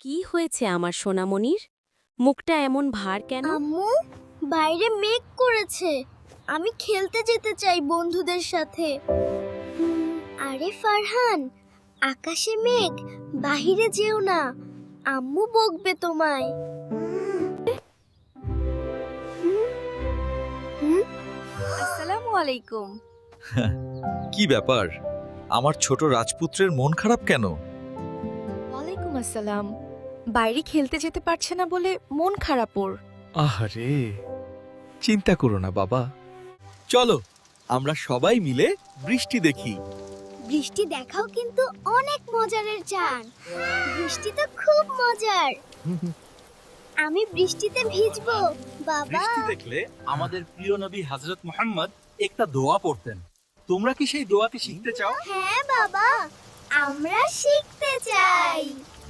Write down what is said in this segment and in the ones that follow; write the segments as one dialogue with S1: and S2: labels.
S1: কি হয়েছে আমার সোনামণির? মুখটা এমন ভার কেন?
S2: আম্মু, বাইরে মেঘ করেছে। আমি খেলতে যেতে চাই বন্ধুদের সাথে। আরে ফারহান, আকাশে মেঘ, বাহিরে যেও না। আম্মু বকবে তোমায়।
S1: আসসালামু আলাইকুম।
S3: কি ব্যাপার? আমার ছোট রাজপুত্রের মন খারাপ কেন?
S4: ওয়ালাইকুম আসসালাম। বাইরে খেলতে যেতে পারছে না বলে মন খারাপ ওর।
S3: আহারে, চিন্তা করো না বাবা। চলো আমরা সবাই মিলে বৃষ্টি দেখি।
S2: বৃষ্টি দেখাও কিন্তু অনেক মজারের জান। বৃষ্টি তো খুব মজার। আমি বৃষ্টিতে ভিজবো বাবা।
S5: বৃষ্টি দেখলে আমাদের প্রিয় নবী হযরত মুহাম্মদ একটা দোয়া পড়তেন। তোমরা কি সেই দোয়াটি শিখতে চাও?
S2: হ্যাঁ বাবা, আমরা শিখতে চাই।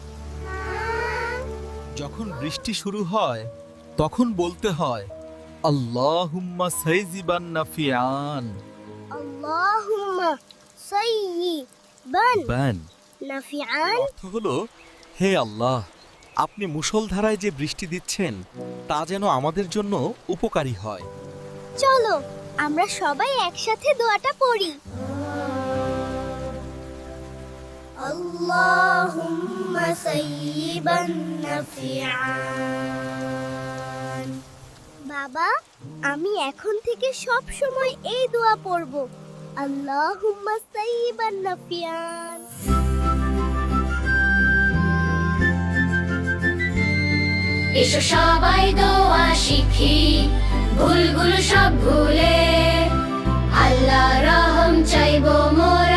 S3: যখন বৃষ্টি শুরু হয় তখন বলতে হয় আল্লাহুম্মা সাইজিবান নাফিআন
S2: আল্লাহুম্মা সাইয়িবান
S3: বান।
S2: নাফিআন।
S3: অর্থ হলো, হে আল্লাহ, আপনি মুষলধারায় যে বৃষ্টি দিচ্ছেন তা যেন আমাদের জন্য উপকারী হয়।
S2: চলো আমরা সবাই একসাথে দোয়াটা পড়ি। আল্লাহুম্মা সাইয়িবান নাফিআন। বাবা, আমি এখন থেকে সব সময় এই দোয়া পড়ব। আল্লাহুম্মা সাইয়িবান নাফিআন।
S6: এসো সবাই দোয়া শিখি, ভুলগুলো সব ভুলে আল্লাহ রহম চাইবো মোরা।